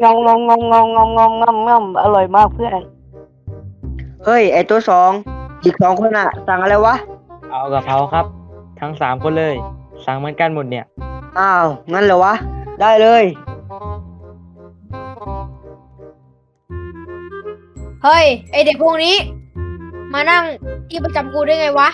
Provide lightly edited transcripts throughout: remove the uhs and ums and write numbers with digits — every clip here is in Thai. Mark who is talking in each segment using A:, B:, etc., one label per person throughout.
A: งองงองงองงองงองงองงอมงอมอร่อยมากเพื่อน
B: เฮ้ยไอตัวสองอีกสองคนอ่ะสั่งอะไรวะ
C: เอากะเพราครับทั้ง3 คนเลยสั่งเหมือนกันหมดเนี่ย
B: อ้าวงั้นเหรอวะได้เลย
D: เฮ้ยไอเด็กพวกนี้ มานั่งที่ประจำกูได้ไงวะ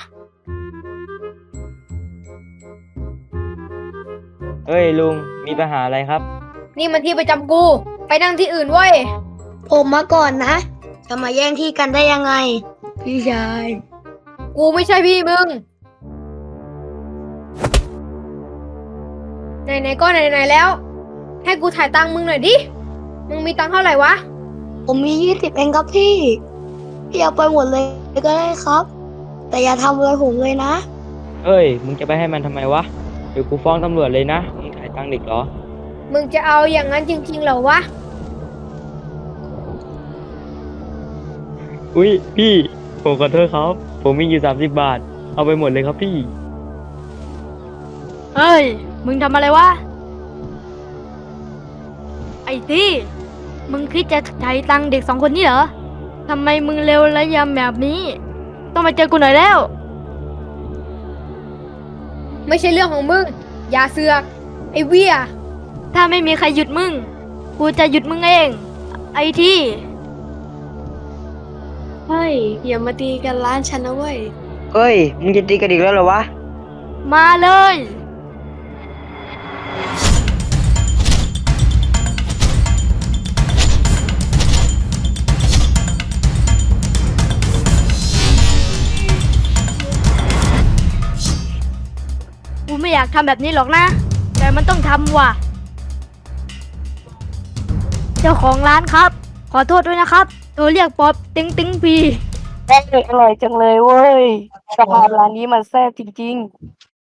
C: เฮ้ยลุงมีปัญหาอะไรครับ
D: นี่มันที่ประจำกูไปนั่งที่อื่นเว้ย
E: ผมมาก่อนนะจะมาแย่งที่กันได้ยังไง พี่ชาย
D: กูไม่ใช่พี่มึงไหนๆก็ไหนๆแล้ว ให้กูถ่ายตังค์มึงหน่อยดิมึงมีตังค์เท่าไหร่วะ
E: ผมมี20เองครับพี่พี่เอาไปหมดเลยก็ได้ครับ แต่อย่าทำอะไรผมเลยนะ
C: เฮ้ยมึงจะไปให้มันทำไมวะเดี๋ยวกูฟ้องตำรวจเลยนะมึงขายตังค์เด็กเหรอ
D: มึงจะเอาอย่างนั้นจริงๆเหรอวะ
C: อุ้ยพี่ผมขอโทษครับผมมีอยู่30 บาทเอาไปหมดเลยครับพี่
F: เฮ้ย มึงทำอะไรวะ ไอ้ที่มึงคิดจะใช้ตังค์เด็ก2 คนนี้เหรอ ทำไมมึงเร็วและยำแบบนี้ ต้องมาเจอกูหน่อยแล้ว
D: ไม่ใช่เรื่องของมึงอย่าเสือกไอ้เวีย
F: ถ้าไม่มีใครหยุดมึง กูจะหยุดมึงเอง ไอ้ที่
E: เฮ้ยอย่ามาตีกันร้านฉันนะเว้ย
B: เฮ้ยมึงจะตีกันอีกแล้วเหรอวะ
F: มาเลย กูไม่อยากทำแบบนี้หรอกนะ แต่มันต้องทำว่ะ เจ้าของร้านครับ ขอโทษด้วยนะครับตัวเรียกป๊อบติ๊งติ๊งพี
A: อร่อยจังเลยเว้ยกะเพราร้านนี้มันแซ่บจริง